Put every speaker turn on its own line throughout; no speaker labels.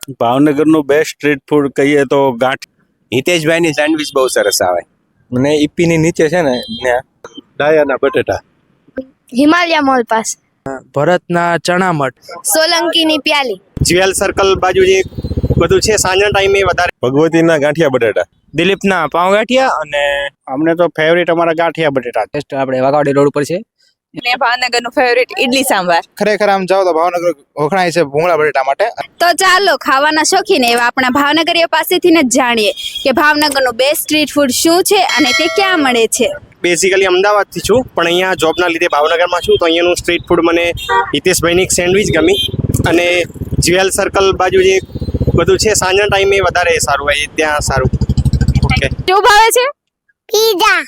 ભાવનગરનું best street food કહીએ તો ગાંઠ.
હિતેશભાઈની સેન્ડવિચ બહુ સરસ આવે.
મને ઈપીની નીચે છે ને ત્યાં
ડાયાના બટેટા.
હિમાલયા મોલ પાસ,
ભરતના ચણા મઠ,
સોલંકીની પ્યાલી,
જ્વેલ સર્કલ બાજુ જે બધું છે સાંજના ટાઈમે વધારે.
ભગવતીના ગાંઠિયા બટેટા.
દિલીપના પાઉં ગાંઠિયા અને
અમને તો ફેવરેટ અમારા ગાંઠિયા બટેટા.
આપણે વાઘાવાડી રોડ ઉપર છે.
ને ભાવનગરનું ફેવરેટ ઇડલી સાંભાર.
ખરેખર આમ જાઓ તો ભાવનગર વખણાય છે ભૂંગળા બટેટા માટે.
તો ચાલો ખાવાના શોખીન એવા આપણા ભાવનગરીઓ પાસેથી જ જાણીએ કે ભાવનગરનું બેસ્ટ સ્ટ્રીટ ફૂડ શું છે અને તે ક્યાં મળે છે.
બેઝિકલી અમદાવાદથી છું પણ અહીંયા જોબના લીધે ભાવનગરમાં છું તો અહીંયાનું સ્ટ્રીટ ફૂડ મને હિતેશભાઈની સેન્ડવિચ ગમી અને જ્વેલ સર્કલ બાજુ જે બધું છે સાંજના ટાઈમે વધારે સારું હોય ત્યાં સારું. ઓકે,
શું ભાવે છે? પીઝા.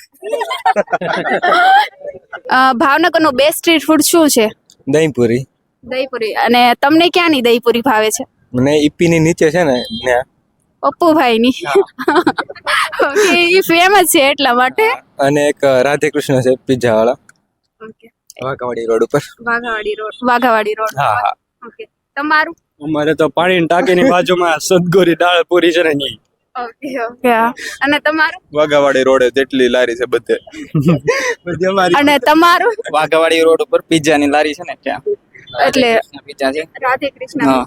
ભાવનગરનું બેસ્ટ સ્ટ્રીટ ફૂડ શું છે?
દહીંપુરી.
દહીંપુરી. અને તમને ક્યાંની દહીંપુરી ભાવે છે?
મને ઈપીની નીચે છે ને ત્યાં
પપ્પુભાઈની. ઓકે, એ ફેમસ છે એટલા માટે.
અને એક રાધે કૃષ્ણ છે પિઝા વાળા
ઓકે,
વાઘાવાડી રોડ ઉપર.
વાઘાવાડી રોડ.
હા હા.
ઓકે, તમારું?
અમારે તો પાણીની ટાંકીની બાજુમાં સદગોરી દાળ પૂરી છે ને ઈ.
Okay okay. અને તમારું?
વાઘાવાડી રોડે જેટલી લારી છે બધે.
અને તમારું?
વાઘાવાડી રોડ ઉપર પિઝાની લારી છે ને ત્યાં
એટલે
પિઝા છે.
રાધે કૃષ્ણ.
હા.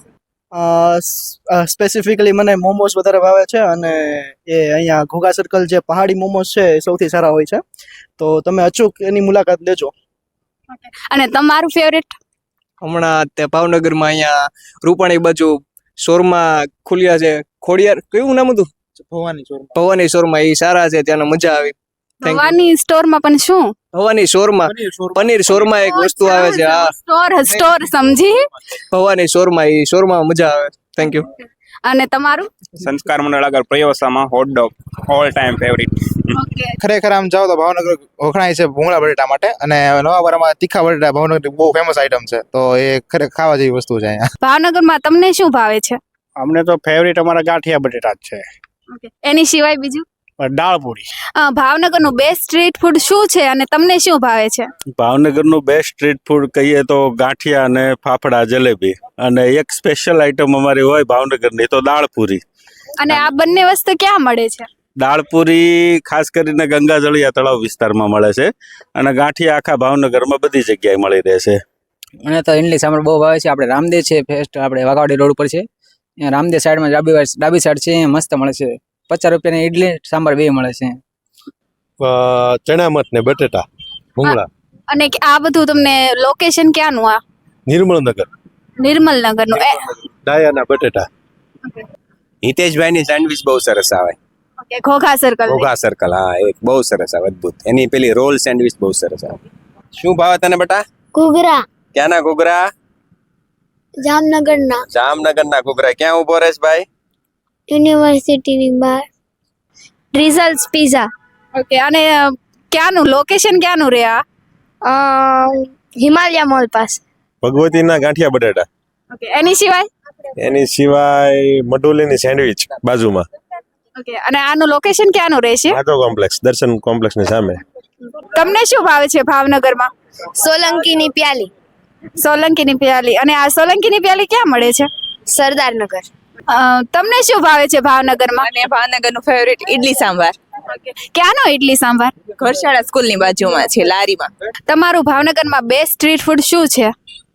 સ્પેસિફિકલી મને મોમોસ વધારે ભાવે છે અને એ અહીંયા ઘોઘા સર્કલ જે પહાડી મોમોસ છે એ સૌથી સારા હોય છે, તો તમે અચૂક એની મુલાકાત લેજો.
અને તમારું ફેવરેટ?
હમણાં તે ભાવનગરમાં અહીંયા રૂપાણી બાજુ શોરમાં ખુલ્યા છે. ખોડિયાર કયું નામ હતું? ભવાની શોરમાં. એ સારા છે, ત્યાંનો મજા આવી.
ભવાની સ્ટોરમાં પણ શું?
ભવાની શોરમાં પનીર શોરમાં એક વસ્તુ આવે છે. હા,
સ્ટોર સમજી.
ભવાની શોરમાં. એ શોરમાં મજા આવે. Thank you.
અને તમારું?
સંસ્કાર મંડળ આગળ પ્રયોસામાં hotdog all time favourite.
Okay.
ખરેખર આમ જાઓ તો ભાવનગર વખણાય છે ભૂંગળા બટેટા માટે અને નવાબરામાં તીખા બટેટા ભાવનગર બહુ ફેમસ આઈટમ છે, તો એ ખરેખર ખાવા જેવી વસ્તુ છે અહીંયા.
ભાવનગરમાં તમને શું ભાવે છે?
અમને તો ફેવરેટ અમારા ગાંઠિયા બટેટા જ છે.
ઓકે. એની સિવાય બીજું?
દાળ પૂરી.
ભાવનગરનું બેસ્ટ સ્ટ્રીટ ફૂડ શું છે અને તમને શું ભાવે છે?
ભાવનગરનું બેસ્ટ સ્ટ્રીટ ફૂડ કહીએ તો ગાંઠિયા અને ફાફડા જલેબી. અને એક સ્પેશિયલ આઈટમ અમારી હોય ભાવનગરની તો દાળપુરી.
અને આ બંને વસ્તુ ક્યાં મળે છે?
દાળપુરી ખાસ કરીને ગંગાજળિયા તળાવ વિસ્તારમાં મળે છે અને ગાંઠિયા આખા ભાવનગરમાં બધી જગ્યાએ મળી રહે છે.
મને તો ઇડલી સાંભળ બહુ ભાવે છે. આપણે રામદેવ છે ફેસ્ટ, આપણે વાઘાવાડી રોડ ઉપર છે. અહીંયા રામદેવ સાઈડમાં ડાબી સાઈડ છે, અહીંયા મસ્ત મળે છે. 50 રૂપિયાની ઇડલી સાંભાર બે મળે છે.
ચણા મઠ ને બટેટા ભૂંગળા.
અને આ બધું તમને લોકેશન ક્યાંનું? આ
નિર્મળનગર.
નિર્મલનગરનું.
ડાયાના બટેટા.
હિતેશભાઈની સેન્ડવિચ બહુ સરસ આવે.
Okay, Ghogha circle.
Ghogha circle. હા, એક બહુ સરસ આવે, અદ્ભુત. એની પેલી રોલ સેન્ડવિચ બહુ સરસ આવે. શું ભાવે તને બેટા?
ઘૂઘરા.
ક્યાંના ઘૂઘરા?
જામનગરના.
જામનગરના ઘૂઘરા. ક્યાં ઉભો રહેશ ભાઈ?
યુનિવર્સિટીની બહાર. Results pizza. ઓકે. અને ક્યાંનું લોકેશન ક્યાંનું રે આ? હિમાલયા મોલ પાસ.
ભગવતીના ગાંઠિયા બટેટા.
ઓકે. એની સિવાય?
એની સિવાય મઢોલીની સેન્ડવિચ બાજુમાં.
ઓકે. અને આનું લોકેશન ક્યાંનું રહેશે?
નાટો કોમ્પ્લેક્સ, દર્શન કોમ્પ્લેક્સની સામે.
તમને શું ભાવે છે ભાવનગરમાં? સોલંકીની પ્યાલી. સોલંકીની પ્યાલી. અને આ સોલંકીની પ્યાલી ક્યાં મળે છે? સરદારનગર. તમને શું ભાવે છે ભાવનગરમાં?
અને ભાવનગરનું ફેવરેટ ઇડલી સાંભાર.
ક્યાંનો ઇડલી સાંભાર?
ઘરશાળા સ્કૂલની બાજુમાં છે, લારીમાં.
તમારું ભાવનગરમાં બેસ્ટ સ્ટ્રીટ ફૂડ શું છે?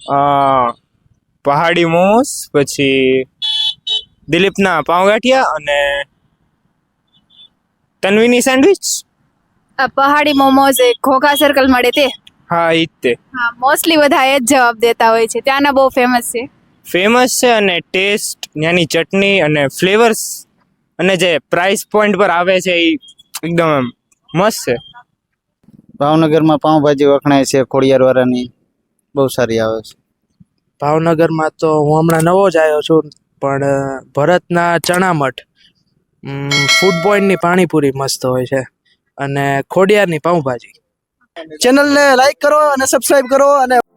પહાડી મોમોસ, પછી દિલીપના પાઉં ગાંઠિયા અને તન્વીની સેન્ડવિચ.
પહાડી મોમોઝ ઘોઘા સર્કલ મળે તે?
હા, ઈ જ તે.
હા, મોસ્ટલી બધા એ જ જવાબ દેતા હોય છે. ત્યાંના બહુ ફેમસ છે.
ફેમસ છે અને ટેસ્ટ, ત્યાંની ચટણી અને ફ્લેવર્સ અને જે પ્રાઇસ પોઈન્ટ પર આવે છે એ એકદમ મસ્ત છે.
ભાવનગરમાં પાઉંભાજી વખણાય છે ખોડિયાર વાળાની, બહુ સારી આવે છે.
ભાવનગરમાં તો હું હમણાં નવો જ આવ્યો છું, પણ ભરતના ચણા મઠ, ફૂડ પોઈન્ટની પાણીપુરી મસ્ત હોય છે અને ખોડિયારની પાઉંભાજી.
ચેનલને લાઈક કરો અને સબસ્ક્રાઇબ કરો અને